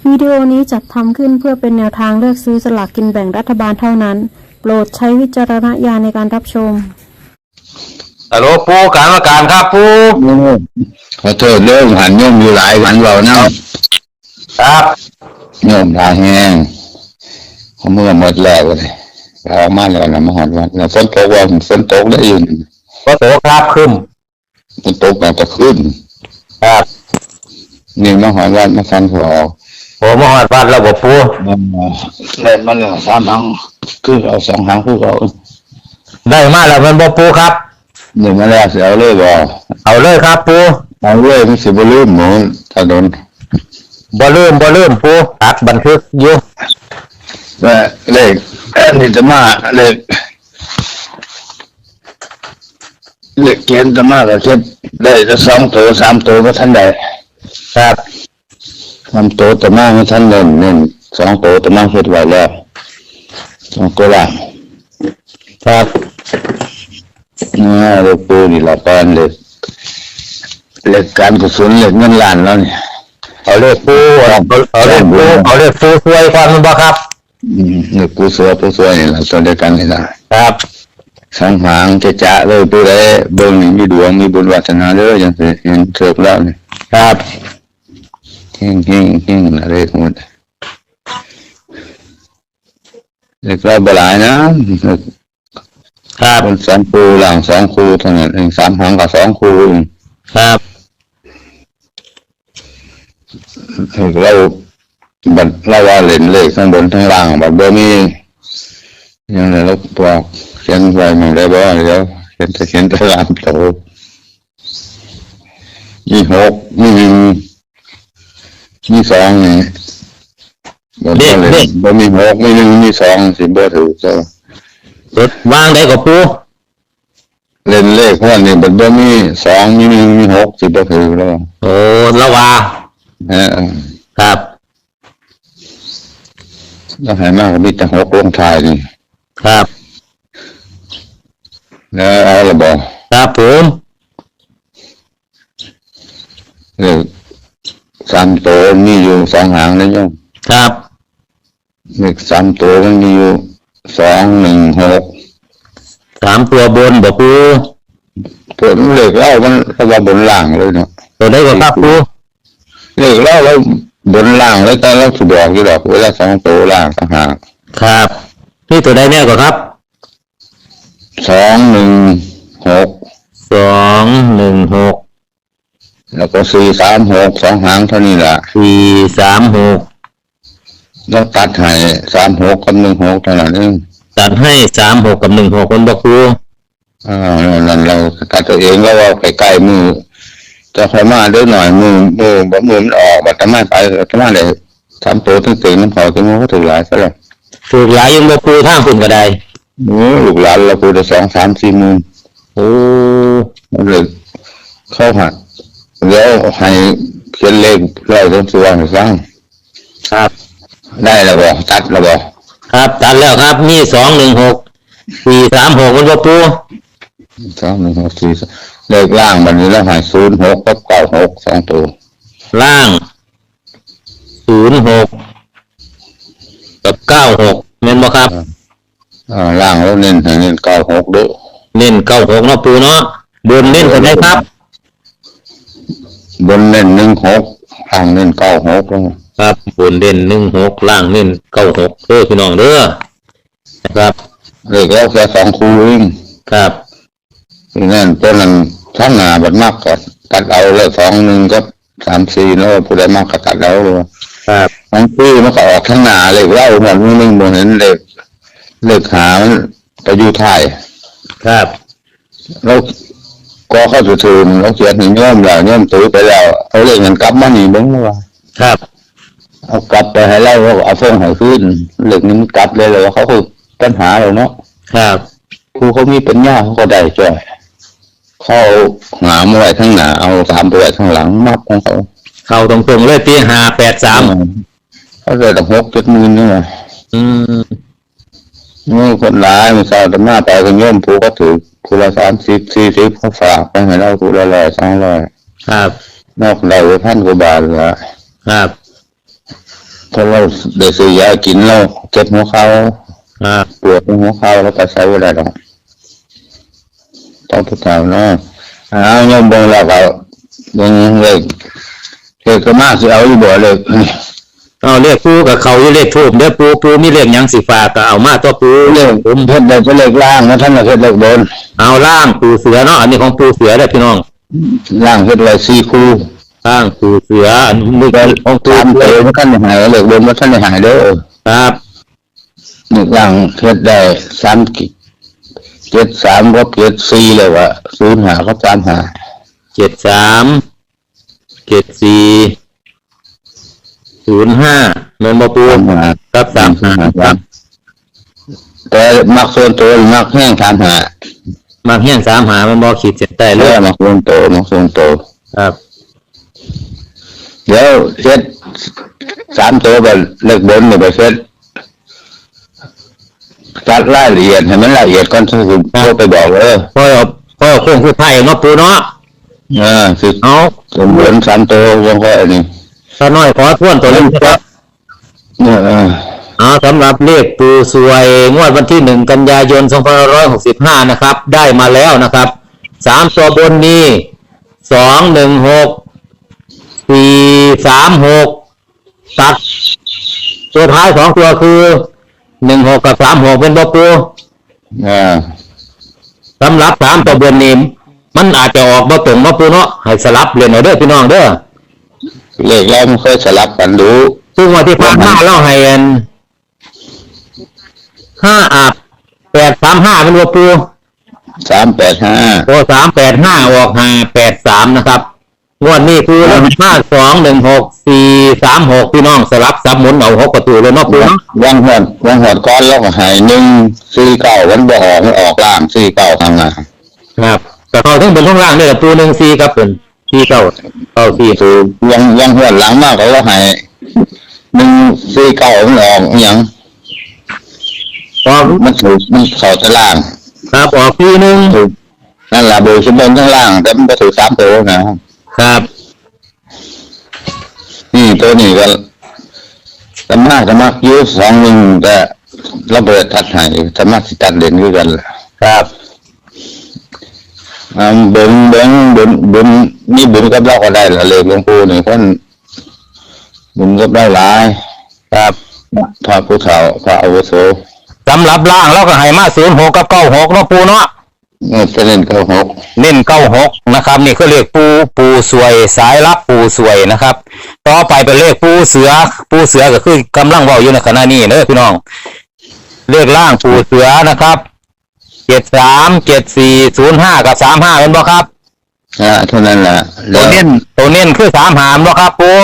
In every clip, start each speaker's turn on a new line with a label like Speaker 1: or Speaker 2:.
Speaker 1: วิดีโอนี้จัดทำขึ้นเพื่อเป็นแนวทางเลือกซื้อสลากกินแบ่งรัฐบาลเท่านั้นโปรดใช้วิจารณญาณในการรับชม
Speaker 2: ฮัลโหลปูการมาการครับปู
Speaker 3: ขอโทษเรื่องหันโยมอยู่หลายวันเรานะครับโยมทาแห้งเขาเมื่อหมดแล้วเลยเรามาแล้วนะมาหอดวันแล้วฝนตกว่าฝนตกได้ยิน
Speaker 2: ก็โตครับขึ้น
Speaker 3: ฝนตกแบบจะขึ้น
Speaker 2: ครับ
Speaker 3: นี่มาหอดวันมาฟันหัว
Speaker 2: ผมมาหอดวันแล้วบ่ปู
Speaker 3: เล่นมันสามหางคือเอาสองหางคือเอา
Speaker 2: ได้มาแล้วมันบ่ปูครับ
Speaker 3: หนึ่งมาแล้วเสียเอาเลยบ่
Speaker 2: เอาเลยครับปู
Speaker 3: เอาเลยไม่สิบลืมหมูถนน
Speaker 2: บ่ลืมปูตัดบันทึกอยู่
Speaker 3: แต่เลขนี่จะมาเลขเขียนจะมาก็เขียนได้จะ2 ตัว 3 ตัวก็ท่านใด
Speaker 2: ครับ
Speaker 3: 3 ตัวจะมาไม่ท่านเน้น2 ตัวจะมาเขียนไว้แล้ว2 ตัวล่าง
Speaker 2: ครับ
Speaker 3: เลขปูนี่ละตอนเลขการกุศลเลขเงินล้านแล้วเนี่ย
Speaker 2: เอาเลขปูเอาเลขปูช่วยความมันบ่ครับ
Speaker 3: เลขปูสวยนี่ละตัวเดียวกันนี่ละ
Speaker 2: ครับ
Speaker 3: สังหางจะเลยปูได้เบิ่งนี่มีดวงมีบุญวาสนาเด้อจังซี่เห็นเสิร์ฟแล้วนี่
Speaker 2: ครับ
Speaker 3: เฮงเลขหมดเลขบ่หลายนะครับบน2 คู่ล่าง2 คู่เท่านั้นเอง3 หางกับ2 คู่
Speaker 2: ครับ
Speaker 3: เราว่าเล่นเลขทั้งบนทั้งล่างแบบบ่มียังไงเราบอกเขียนไว้มันได้บ่เดี๋ยวเขียนตารางโตมี6มี1มี2นี่บ่มี6มี1มี2สิบ่ถูกจ้ะ
Speaker 2: วางได้กับปู
Speaker 3: เล่นเลขพวกนี้มันบ่มี2มี1มี6สิบ่ถูกแล้ว
Speaker 2: โอ้ละว่าครับ
Speaker 3: แล้วให้มากมีแต่6ลงท้ายนี่
Speaker 2: ครับ
Speaker 3: แล้วเอาละบ่
Speaker 2: ครับผม
Speaker 3: เลข3 ตัวมีอยู่2 หางนะโยม
Speaker 2: ครับ
Speaker 3: เลข3 ตัวมันมีอยู่2 1 6
Speaker 2: 3 ตัวบนบ่ปู
Speaker 3: ตัวเลขเรามันว่าบนล่างเลยเนาะ
Speaker 2: ตัวได้ก็ครับปู
Speaker 3: เลขเราบนล่างเลยแต่เราสิบอกอยู่ดอกเวลา2 ตัวล่างต่างหาก
Speaker 2: ครับนี่ตัวใดแน่กว่าครับ
Speaker 3: 2 1 6 แล้วก็4 3 6 2 หางเท่านี้ล่ะ
Speaker 2: 4 3 6
Speaker 3: เราตัดให้3 6กับ1 6เท่านั้นเอง
Speaker 2: ตัดให้3 6กับ1 6คนบ่ครู
Speaker 3: นั่นเราตัดตัวเองแล้วว่าใกล้ๆมือจะค่อยมาเด้อหน่อยมือมันออกบัดมาไปมาได้3 ตัวตึงๆน้ำเขาถึงก็ถูกหลายซะแล้ว
Speaker 2: ถูกหลายยังบ่ครูทางคุณก็ได้
Speaker 3: ลูกหลานเราพูดได้2 3 4 หมื่น
Speaker 2: โอ้
Speaker 3: เลยเข้าหัดแล้วให้เขียนเลขร้อยต้นส่วนสร้าง
Speaker 2: ครับ
Speaker 3: ได้แล้วบ่ตัดแล้วบ่
Speaker 2: ครับตัดแล้วครับมี2 1 6 4 3 6มันบ่ปู
Speaker 3: 2 1 6 4เลขล่างบัดนี้แล้วให้0 6กับ9 6 2 ตัว
Speaker 2: ล่าง0 6กับ9 6แม่นบ่ครับ
Speaker 3: ล่างแล้วเน้น9 6ด้วย
Speaker 2: เน้น9 6เนาะปูเนาะบนเน้นตัวไหนครับ
Speaker 3: บนเน้น1 6ล่างเน้น9 6
Speaker 2: ครับบนเน้น1 6ล่างเน้น9 6พี่น้องเด้อนะครับ
Speaker 3: เลขแล้วแค่2 คู่เอง
Speaker 2: ครับ
Speaker 3: นั่นตัวนั้นทั้งหน้าบัดมากก็ตัดเอาเลย2 1กับ3 4แล้วผู้ใดมากก็ตัดเอาเลย
Speaker 2: ครับ
Speaker 3: ทั้งคู่มันก็ออกทั้งหน้าเลขเล่าหมดมึงบ่เห็นเลขหามันไปอยู่ท้าย
Speaker 2: ครับ
Speaker 3: แล้วก็เข้าถือแล้วเขียนให้โยมแล้วโยมตื้อไปแล้วเอาเลขเงินกลับมานี่เบิ่งว่า
Speaker 2: ครับ
Speaker 3: เอากลับไปให้เราเอาส่งให้คืนเลขนี้มันกลับเลยเขาคือปัญหาแล้วเนาะ
Speaker 2: ครับ
Speaker 3: ครูเขามีปัญญาเขาก็ได้จ้ะเขาหามาไว้ข้างหน้าเอา3 ตัวไว้ข้างหลังมัดของเขา
Speaker 2: เข้าตรงๆเลยปี5 8 3
Speaker 3: เขาเลยต้อง6 7 หมื่นนี่นี่คนร้ายมันสาวแต่มาไปกันโยมผู้ก็ถือคนละ30 40เขาฝากไปให้เราตัวละ100 200
Speaker 2: ครับ
Speaker 3: นอกเรา1,000 กว่าบาทละ
Speaker 2: ครับ
Speaker 3: พอเราได้ซื้อยากินเราเจ็บหัวเข่า
Speaker 2: ครับ
Speaker 3: ปวดหัวเข่าแล้วก็ใช้เวลาหรอกต้องทุกคราวเนาะโยมเบิ่งแล้วก็เบิ่งเลขก็มากสิเอาอยู่บ่เลย
Speaker 2: เอาเลขปูกับเขาอยู่เลขทูบเด้อปูมีเลขหยังสิฝากก็เอามาตัวปู
Speaker 3: เลขผมเฮ็ดได้แต่เลขล่างนะท่านน่ะเฮ็ดเลขบน
Speaker 2: เอาล่างปูเสือเนาะอันนี้ของปูเสือเด้อพี่น้อง
Speaker 3: ล่างเฮ็ดไว้4คู่
Speaker 2: ล่างปูเสืออันนี้
Speaker 3: แต่
Speaker 2: ของปู
Speaker 3: ตาม
Speaker 2: เสื
Speaker 3: เต
Speaker 2: อ
Speaker 3: บ่ทันได้หายเลขบนบ่ทันได้หายเด้อ
Speaker 2: ครับ
Speaker 3: เลขล่างเฮ็ดได้73กับ74เลยว่า05กับ35
Speaker 2: 73 74 05แม่นบ่ปูครับ35ครับ
Speaker 3: แต่มักส่วนตัวมักแห้ง35
Speaker 2: มาเฮียน35มันบ่ขีดเส้นใต้เล
Speaker 3: เรื่
Speaker 2: ย
Speaker 3: มักส่วนตัวมักส่วนตัว
Speaker 2: ครับ
Speaker 3: เดี๋ยวเฮ็ด3ตัวก็เลขบนนี่ไปเฮ็ดจัดรายละเอียดให้มันละเอียดก่อนถึงโทรไปบอก
Speaker 2: พ่อโค้งสุดท้ายเนาะปูเนาะ
Speaker 3: สิ
Speaker 2: เอา
Speaker 3: สมบูรณ์3ตัวยังค่อยนี่
Speaker 2: ถ้าน้อยขอทวนตัวเลขครับ สำหรับเลขปูสวยงวดวันที่1 กันยายน 2565นะครับได้มาแล้วนะครับ3ตัวบนนี้216 436ตัดตัวท้าย2ตัวคือ16กับ36เป็นบ่ปูสำหรับ3ตัวบนนี้มันอาจจะออกบ่ตรงบ่ปูเนาะให้สลับเล่นเอาเด้อพี่น้องเด้อ
Speaker 3: เลขแล้วมันเคยสลับกันดู
Speaker 2: ซึ่งวันที่ผ่านมาเราให้อัน835เป็นว่าปู
Speaker 3: 385
Speaker 2: โอ้385ออก583นะครับงวดนี้คือเลข516436พี่น้องสลับซับหมุนเอา6ประตูเลยเนาะปู
Speaker 3: วังหอดก้อนแล้วก็ให้149วันบ่ออกมันออกล่าง49ข้างหน้า
Speaker 2: ครับแต่เขาถึงเป็นข้างล่างนี่แหละปู14ครับเป็น4994
Speaker 3: ถูกยังหอดหลังมากก็ว่าให้149มันออกหยังมันถูกมันเข้าตาราง
Speaker 2: ครับออกทีนึง
Speaker 3: ถูกนั่นล่ะเบอร์ขึ้นบนข้างล่างแต่มันบ่ถูก3ตัวนะครับนี่ตัวนี้ก็สามารถยืด21แต่ระเบิดทัดให้สามารถสิตัดเด่นคือกัน
Speaker 2: ครับ
Speaker 3: บุญนี่บุญกับเราก็ได้ละเลยหลวงปู่นี่คนบุญกับได้หลาย
Speaker 2: ครับ
Speaker 3: พระผู้เฒ่าพระอาวุโส
Speaker 2: สำหรับล่างเราก็ให้มา06กับ96เนาะปูเนาะ
Speaker 3: จะเน้น96
Speaker 2: นะครับนี่คือเลขปูสวยสายลับปูสวยนะครับต่อไปเป็นเลขปูเสือก็คือกำลังเว้าอยู่ในขณะนี้เด้อพี่น้องเลขล่างปูเสือนะครับ73 74 05กับ35เป็นบ่ครับ
Speaker 3: เท่านั้นแหละ
Speaker 2: ตัวเน้นคือ35บ่ครับปู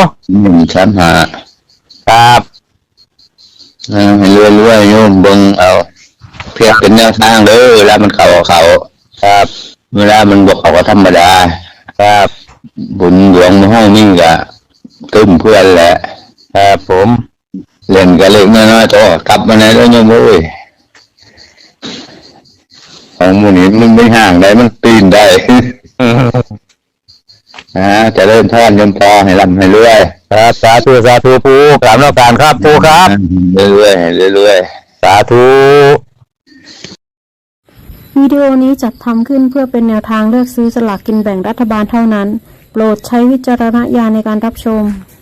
Speaker 3: 35
Speaker 2: ครับ
Speaker 3: ให้รวยโยมเบิ่งเอาเพียงเป็นแนวทางเด้อเวลามันเข้าครับเวลามันบ่เข้าก็ธรรมดา
Speaker 2: ครับ
Speaker 3: บุญหลวงห้องนี่ก็ตึ้มเพื่อนแหละ
Speaker 2: ครับผม
Speaker 3: เล่นก็เล็กน้อยๆโตกลับมาไหนแล้วโยมเอ้ยของหมู่นี้มันไม่ห่างได้มันปีนได้จะเริ่มทอดยมพอให้ร่ำให้รวย
Speaker 2: ครับสาธุปูกราบนมัสการครับปูครับ
Speaker 3: เรื่อย
Speaker 2: สาธุ
Speaker 1: วิดีโอนี้จัดทำขึ้นเพื่อเป็นแนวทางเลือกซื้อสลากกินแบ่งรัฐบาลเท่านั้นโปรดใช้วิจารณญาณในการรับชม